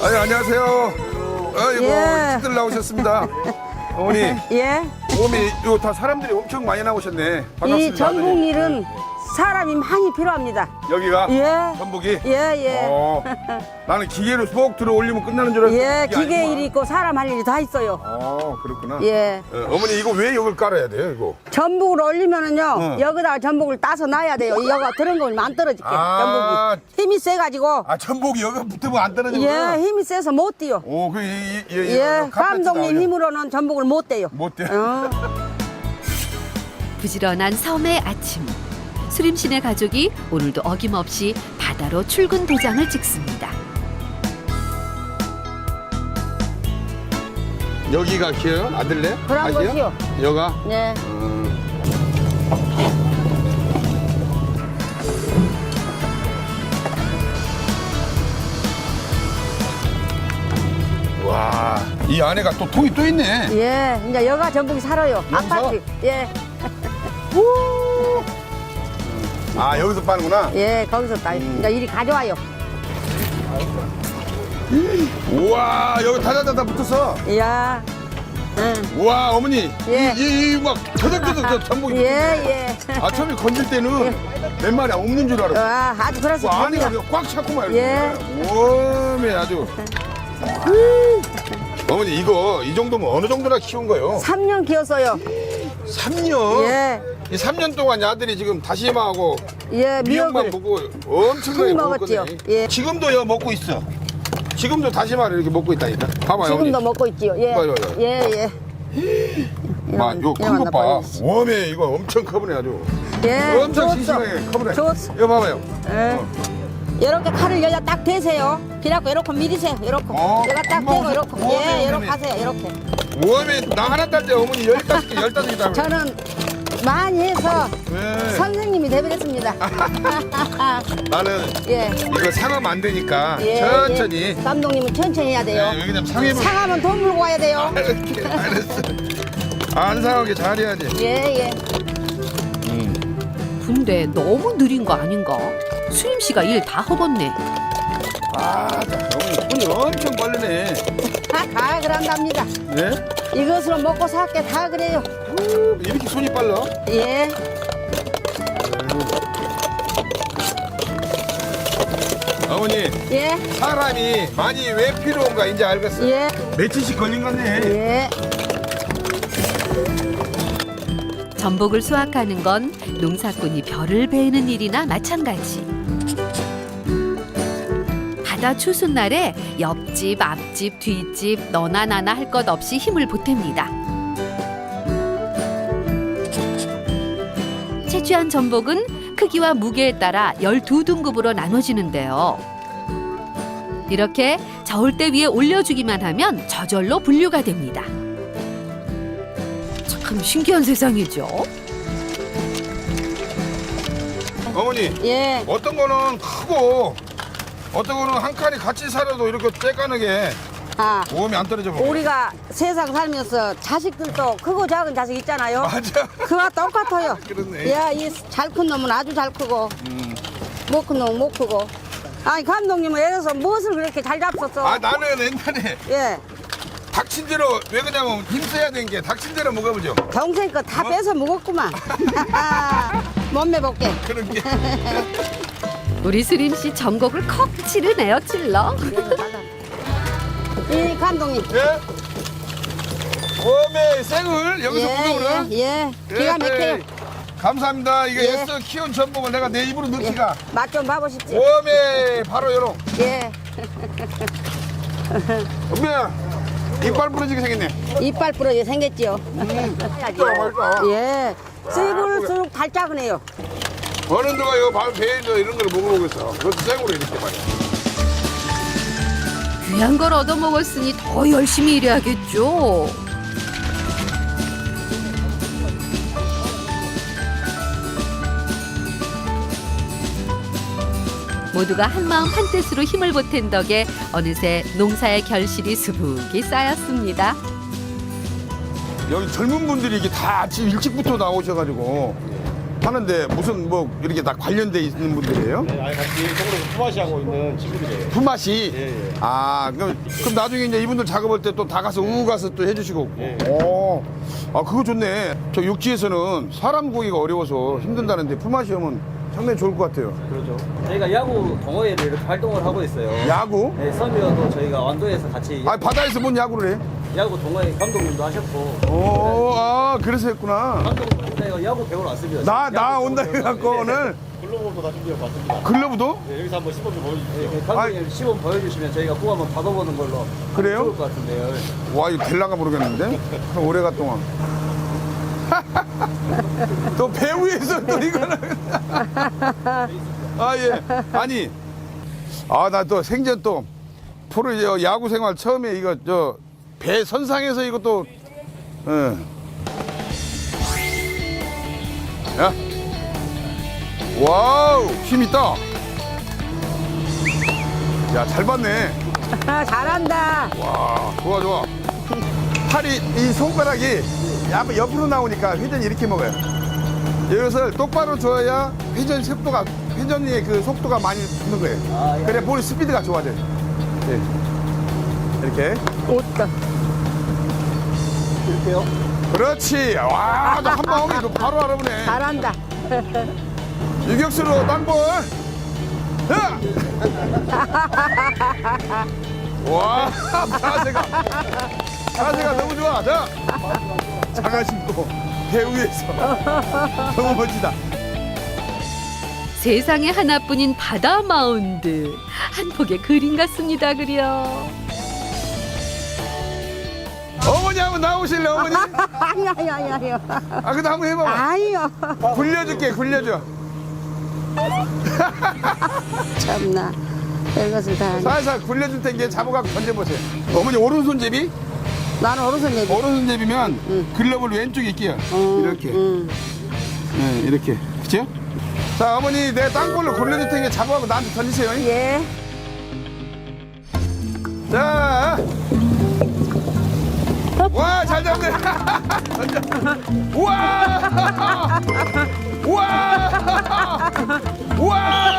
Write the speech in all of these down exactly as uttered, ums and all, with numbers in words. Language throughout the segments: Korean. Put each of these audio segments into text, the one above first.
아니, 안녕하세요. 아이고, 예. 일찍들 나오셨습니다. 어머니, 예. 어머니, 이거 다 사람들이 엄청 많이 나오셨네. 반갑습니다. 이 전북일은 사람이 많이 필요합니다. 여기가 예. 전북이. 예, 예. 어, 나는 기계로 쏙 들어 올리면 끝나는 줄 알았는데. 예, 그게 기계 아니구나. 일이 있고 사람 할 일이 다 있어요. 어, 그렇구나. 예. 어, 어머니 이거 왜 여길 깔아야 돼요, 이거? 전복을 올리면은요, 어. 여기다가 전복을 따서 놔야 돼요. 여기가 들은 거면 안 떨어질게. 아. 전복이. 힘이 세가지고. 아, 전복이 여기 붙으면 안 떨어지구나. 예, 힘이 세서 못 뛰어. 오, 그, 이, 이, 이, 이, 예, 카페트 감독님 나오죠? 힘으로는 전복을 못 떼요. 못 떼. 어. 부지런한 섬의 아침. 수림씨네 가족이 오늘도 어김없이 바다로 출근 도장을 찍습니다. 여기가 기어요? 아들네? 그런 아시요? 것이요. 여가? 네. 음. 와, 이 안에가 또 통이 또 있네. 예, 이제 여가 전복이 살아요. 여기서? 아파트. 예, 아, 여기서 빠는구나. 예, 거기서 따. 음. 이제 이리 가져와요. 우와, 여기 다다다다 붙었어. 이야. 응. 우와, 어머니. 예. 이, 이, 막, 저덕저덕 저 전복이. 예, 예. 아, 처음에 건질 때는 몇 마리 없는 줄 알았어. 와, 아주 그 그래서 안에가 됩니다. 꽉 찼구만. 이렇게. 예. 오메 아주. 어머니 이거 이 정도면 어느 정도나 키운 거요? 삼 년 키웠어요. 삼 년? 예. 이 삼 년 동안 야들이 지금 다시마하고 예, 미역만 미역을. 보고 엄청나게 많이 먹었지요. 먹었거든. 예. 지금도 여 먹고 있어. 지금도 다시마를 이렇게 먹고 있다니까. 봐봐요. 지금도 어머니. 먹고 있지요. 예. 봐요, 봐요. 예, 예. 봐, 이러면- 요큰 이러면 것 봐. 나빠요. 웜에 이거 엄청 커보네 아주. 예. 엄청 좋았어. 싱싱하게 커보네. 좋았어. 이거 봐봐요. 예. 이렇게 칼을 여기다 딱 대세요. 비라고 이렇게 미리세요. 이렇게. 어, 여기가 딱 엄마, 대고 이렇게. 우와, 예, 어머니. 이렇게 하세요. 이렇게. 웜에 나 하나 딸 때 어머니 열다섯 개, 열다섯 개 다. 저는 많이 해서 네. 선생님이 되버렸습니다. 나는 예. 이거 상하면 안 되니까 예, 천천히. 예. 감독님은 천천히 해야 돼요. 네, 여기 좀 상해볼. 상하면 돈 물고 와야 돼요. 알았게, 알았어. 안 상하게 잘해야지. 예, 예. 근데 너무 느린 거 아닌가? 수림씨가 일 다 허겄네. 아, 자, 어머니 손이 엄청 빠르네. 다, 다 그런답니다. 네? 이것으로 먹고 살게 다 그래요. 이렇게 손이 빨라? 예. 어머니, 예. 사람이 많이 왜 필요한가 이제 알겠어. 예. 며칠씩 걸린 거네. 예. 전복을 수확하는 건 농사꾼이 별을 베는 일이나 마찬가지. 바다 추운 날에 옆집, 앞집, 뒷집 너나 나나 할 것 없이 힘을 보탭니다. 채취한 전복은 크기와 무게에 따라 열두 등급으로 나눠지는데요. 이렇게 저울대 위에 올려주기만 하면 저절로 분류가 됩니다. 참 신기한 세상이죠. 어머니, 예. 어떤 거는 크고 어떤 거는 한 칸이 같이 살아도 이렇게 쬐까하게 아. 오염이 안 떨어져 버려. 우리가 세상 살면서 자식들도 크고 작은 자식 있잖아요. 맞아. 그와 똑같아요. 그렇네. 야, 이 잘 큰 놈은 아주 잘 크고, 음. 못 큰 놈은 못 크고. 아니, 감독님은 애에서 무엇을 그렇게 잘 잡섰어? 아, 나는 옛날에 예. 닥친 대로 왜 그러냐면 힘써야 되는 게 닥친 대로 먹어보죠. 동생 거 다 어? 뺏어 먹었구만. 몸매 볼게. 그런 게. 우리 수림씨 전곡을 컥 치르네요, 찔러. 이 감독님. 예? 웜에 생을 여기서 먹어보라. 예, 예. 기가 막혀요. 감사합니다. 이거 예. 애써 키운 전복을 내가 내 입으로 넣기가. 맛 좀 봐보십시오. 웜에 바로 요런. 예. 엄마야, 이빨 부러지게 생겼네. 이빨 부러져 생겼지요. 진짜 맛있다. 예. 씹을수록 달짝으네요. 어른들가 이거 밥 배에서 이런 걸 먹어보고 있어. 그것도 생으로 이렇게 말이야. 귀한 걸 얻어먹었으니 더 열심히 일해야겠죠. 모두가 한마음 한뜻으로 힘을 보탠 덕에 어느새 농사의 결실이 수북이 쌓였습니다. 여기 젊은 분들이 이게 다 아침 일찍부터 나오셔가지고 하는데 무슨 뭐 이렇게 다 관련돼 있는 분들이에요? 네, 아니 같이 서울에서 품앗이 하고 있는 친구들이에요. 품맛이. 예, 예. 아 그럼 그럼 나중에 이제 이분들 작업할 때 또 다 가서 우우 가서 또 해주시고. 예. 오. 아 그거 좋네. 저 육지에서는 사람 구기가 어려워서 힘든다는데 품맛이 오면 상당히 좋을 것 같아요. 그렇죠. 저희가 야구 동호회를 이렇게 활동을 하고 있어요. 야구? 네, 섬유도 저희가 완도에서 같이 아 바다에서 뭔 야구를 해? 야구 동호회 감독님도 하셨고. 오, 아 그래서 했구나. 감독님 저희가 야구 배우러 왔습니다. 나 나 야구 온다 배우러 해갖고 왔는데 오늘 글로벌도 다 준비하고 왔습니다. 글러브도? 네, 여기서 한번 시범 좀 보여주세요. 아이. 감독님 시범 보여주시면 저희가 꼭 한번 받아보는 걸로 그래요? 좋을 것 같은데요. 와 이거 될란가 모르겠는데 오래가 동안. 또 배우에서 또 이거는. 아 예. 아니. 아 나 또 생전 또 프로 저 야구 생활 처음에 이거 저 배 선상에서 이것도. 응. 야. 와우 힘 있다. 야 잘 봤네. 잘한다. 와 좋아 좋아. 팔이 이 손가락이 약간 옆으로 나오니까 회전이 이렇게 먹어요. 이것을 똑바로 줘야 회전 속도가 회전의 그 속도가 많이 붙는 거예요. 아, 예. 그래 볼 스피드가 좋아져요. 네. 이렇게. 웃다. 이렇게요. 그렇지. 와, 너 한 방 오면 너 바로 알아보네. 잘한다. 유격수로 땅볼. 야! 와, 자세가 자세가 너무 좋아. 자, 자가 신고 배 위에서 너무 멋지다. 세상에 하나뿐인 바다 마운드. 한 폭의 그림 같습니다, 그려. 어머니 한번 나오실래, 어머니? 아니요, 아니요, 아니요, 아니요. 아, 근데 한번 해봐봐. 아니요. 굴려줄게, 굴려줘. 참나. 별것을 다 하네. 살살 굴려줄 테니까 잡아갖고 던져보세요. 어머니 오른손잡이? 나는 어르신 얘기. 오른손잡이면 응. 글러브를 왼쪽에 끼요. 응, 이렇게. 응. 네, 이렇게. 그죠? 자, 어머니 내 땅볼로 굴려줄 테니까 잡아갖고 나한테 던지세요. 예. 자. 와, 잘 잡네. 던져. 우와! 우와! 우와!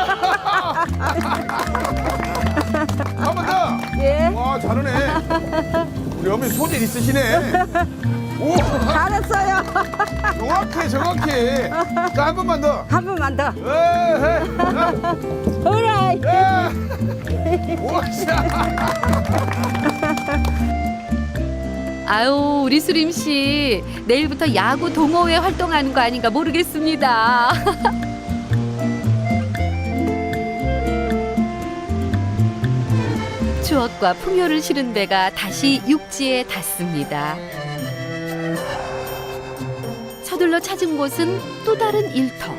한 번 더. 예. 와, 잘하네. 우리 어머니 소질 있으시네. 오, 잘했어요. 정확해, 정확해. 자, 한 번만 더. 한 번만 더. 에헤. 그래. 자, 에. 오샤. 아유, 우리 수림 씨 내일부터 야구 동호회 활동하는 거 아닌가 모르겠습니다. 추억과 풍요를 실은 배가 다시 육지에 닿습니다. 서둘러 찾은 곳은 또 다른 일터.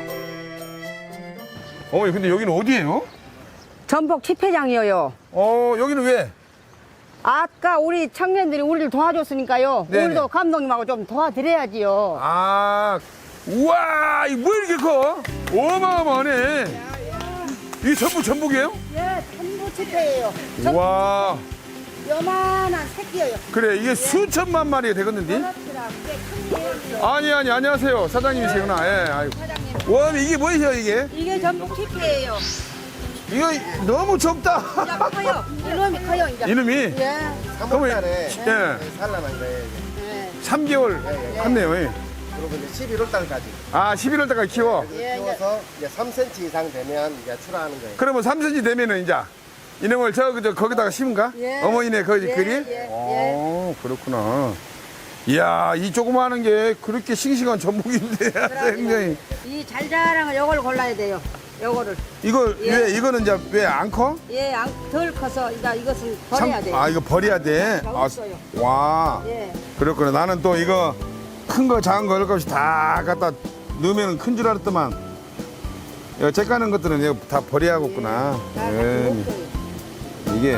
어머니, 근데 여기는 어디예요? 전복 집회장이에요. 어, 여기는 왜? 아까 우리 청년들이 우리를 도와줬으니까요. 네네. 우리도 감독님하고 좀 도와드려야지요. 아, 우와, 이거 뭐 이렇게 커? 어마어마하네. 이게 전부 전복이에요? 예, 전복 집회예요. 와, 요만한 새끼예요. 그래, 이게 수천만 마리가 되겠는데? 아니, 아니, 안녕하세요. 사장님이시구나. 예, 아이고. 와, 이게 뭐예요, 이게? 이게 전복 집회예요. 이거 너무 적다. 이제 커요. 이놈이 커요, 이제. 이놈이? 예. 그러면, 달에 예, 산란한 거예요. 예. 삼 개월 했네요. 예. 그리고 이제 십일월 달까지 아, 십일월 달까지 키워. 예, 키워서 이제 삼 센티미터 이상 되면 이제 출하하는 거예요. 그러면 삼 센티미터 되면은 이제 이놈을 저, 저 거기다가 심은가? 예. 어머니네 거기 예, 그리? 예, 예. 어, 그렇구나. 이야, 이 조그마한 게 그렇게 싱싱한 전복인데 굉장히. 이 잘자랑은 요걸 골라야 돼요. 요거를. 이거 예. 왜 이거는 이제 왜 안 커? 예, 안- 덜 커서 이제 이것은 버려야 참- 돼요. 아, 이거 버려야 돼. 다 아, 없어요. 와. 예. 그렇구나. 나는 또 이거 큰 거 작은 거 이렇게 없이 다 갖다 넣으면 큰 줄 알았더만. 이거 째까는 것들은 이거 다 버려야겠구나. 예. 다 예. 같이 먹어요. 이게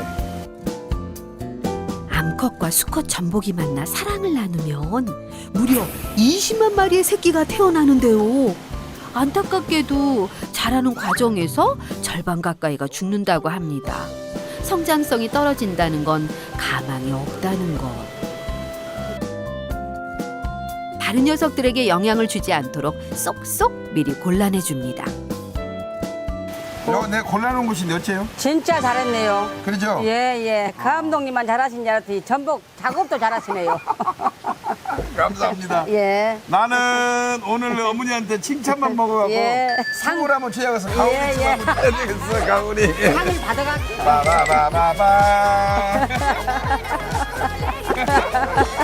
암컷과 수컷 전복이 만나 사랑을 나누면 무려 이십만 마리의 새끼가 태어나는데요. 안타깝게도 자라는 과정에서 절반 가까이가 죽는다고 합니다. 성장성이 떨어진다는 건 가망이 없다는 것. 다른 녀석들에게 영향을 주지 않도록 쏙쏙 미리 골라내 줍니다. 이거 내가 골라놓은 것이 몇째요? 진짜 잘했네요. 그렇죠? 예, 예. 감독님만 잘하신 줄 알았더니 전복 작업도 잘하시네요. 감사합니다. 예. 나는 오늘 어머니한테 칭찬만 먹어갖고 예. 상을 한번 취해가서 가오리 예, 춤 예. 한번 해야 되겠어, 가오리. 상을 받아갈게요. 바바바바바.